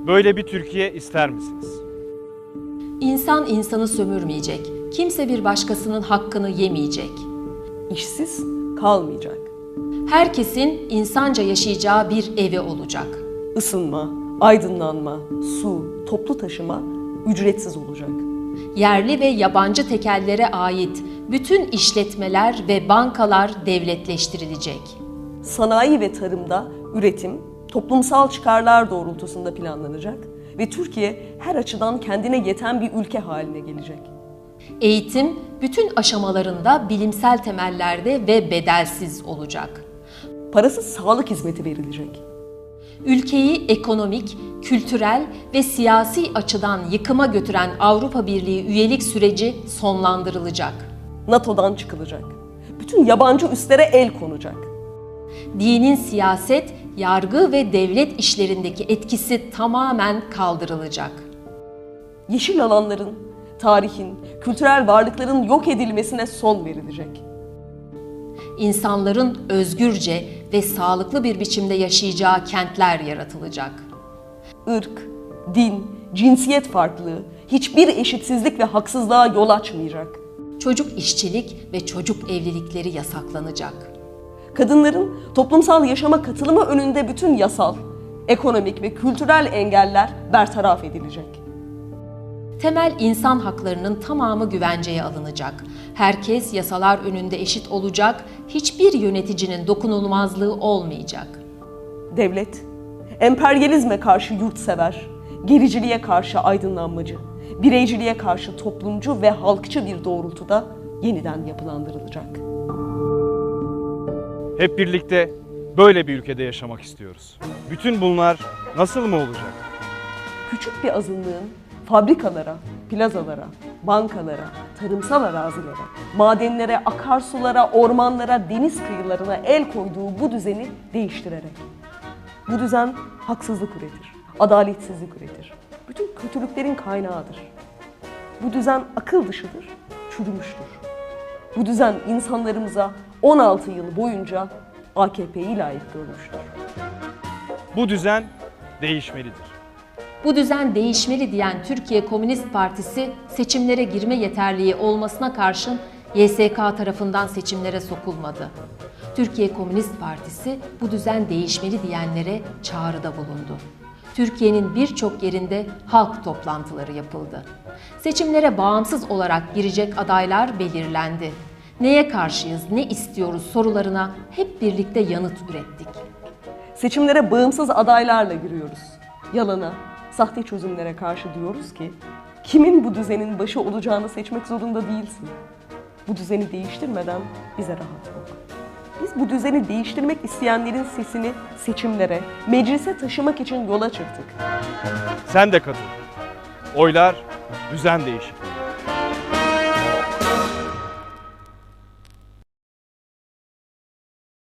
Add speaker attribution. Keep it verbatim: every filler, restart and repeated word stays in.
Speaker 1: Böyle bir Türkiye ister misiniz?
Speaker 2: İnsan insanı sömürmeyecek, kimse bir başkasının hakkını yemeyecek.
Speaker 3: İşsiz kalmayacak.
Speaker 2: Herkesin insanca yaşayacağı bir evi olacak.
Speaker 3: Isınma, aydınlanma, su, toplu taşıma ücretsiz olacak.
Speaker 2: Yerli ve yabancı tekellere ait bütün işletmeler ve bankalar devletleştirilecek.
Speaker 3: Sanayi ve tarımda üretim, toplumsal çıkarlar doğrultusunda planlanacak ve Türkiye her açıdan kendine yeten bir ülke haline gelecek.
Speaker 2: Eğitim bütün aşamalarında bilimsel temellerde ve bedelsiz olacak.
Speaker 3: Parasız sağlık hizmeti verilecek.
Speaker 2: Ülkeyi ekonomik, kültürel ve siyasi açıdan yıkıma götüren Avrupa Birliği üyelik süreci sonlandırılacak.
Speaker 3: NATO'dan çıkılacak. Bütün yabancı üslere el konacak.
Speaker 2: Dinin siyaset, yargı ve devlet işlerindeki etkisi tamamen kaldırılacak.
Speaker 3: Yeşil alanların, tarihin, kültürel varlıkların yok edilmesine son verilecek.
Speaker 2: İnsanların özgürce ve sağlıklı bir biçimde yaşayacağı kentler yaratılacak.
Speaker 3: Irk, din, cinsiyet farklılığı hiçbir eşitsizlik ve haksızlığa yol açmayacak.
Speaker 2: Çocuk işçilik ve çocuk evlilikleri yasaklanacak.
Speaker 3: Kadınların toplumsal yaşama katılımı önünde bütün yasal, ekonomik ve kültürel engeller bertaraf edilecek.
Speaker 2: Temel insan haklarının tamamı güvenceye alınacak. Herkes yasalar önünde eşit olacak, hiçbir yöneticinin dokunulmazlığı olmayacak.
Speaker 3: Devlet, emperyalizme karşı yurtsever, gericiliğe karşı aydınlanmacı, bireyciliğe karşı toplumcu ve halkçı bir doğrultuda yeniden yapılandırılacak.
Speaker 1: Hep birlikte böyle bir ülkede yaşamak istiyoruz. Bütün bunlar nasıl mı olacak?
Speaker 3: Küçük bir azınlığın fabrikalara, plazalara, bankalara, tarımsal arazilere, madenlere, akarsulara, ormanlara, deniz kıyılarına el koyduğu bu düzeni değiştirerek. Bu düzen haksızlık üretir, adaletsizlik üretir. Bütün kötülüklerin kaynağıdır. Bu düzen akıl dışıdır, çürümüştür. Bu düzen insanlarımıza on altı yıl boyunca A K P'yi layık görmüştür.
Speaker 1: Bu düzen değişmelidir.
Speaker 2: Bu düzen değişmeli diyen Türkiye Komünist Partisi seçimlere girme yeterliği olmasına karşın Y S K tarafından seçimlere sokulmadı. Türkiye Komünist Partisi bu düzen değişmeli diyenlere çağrıda bulundu. Türkiye'nin birçok yerinde halk toplantıları yapıldı. Seçimlere bağımsız olarak girecek adaylar belirlendi. Neye karşıyız, ne istiyoruz sorularına hep birlikte yanıt ürettik.
Speaker 3: Seçimlere bağımsız adaylarla giriyoruz. Yalana, sahte çözümlere karşı diyoruz ki, kimin bu düzenin başı olacağını seçmek zorunda değilsin. Bu düzeni değiştirmeden bize rahat yok. Biz bu düzeni değiştirmek isteyenlerin sesini seçimlere, meclise taşımak için yola çıktık.
Speaker 1: Sen de katıl. Oylar düzen değişikliği.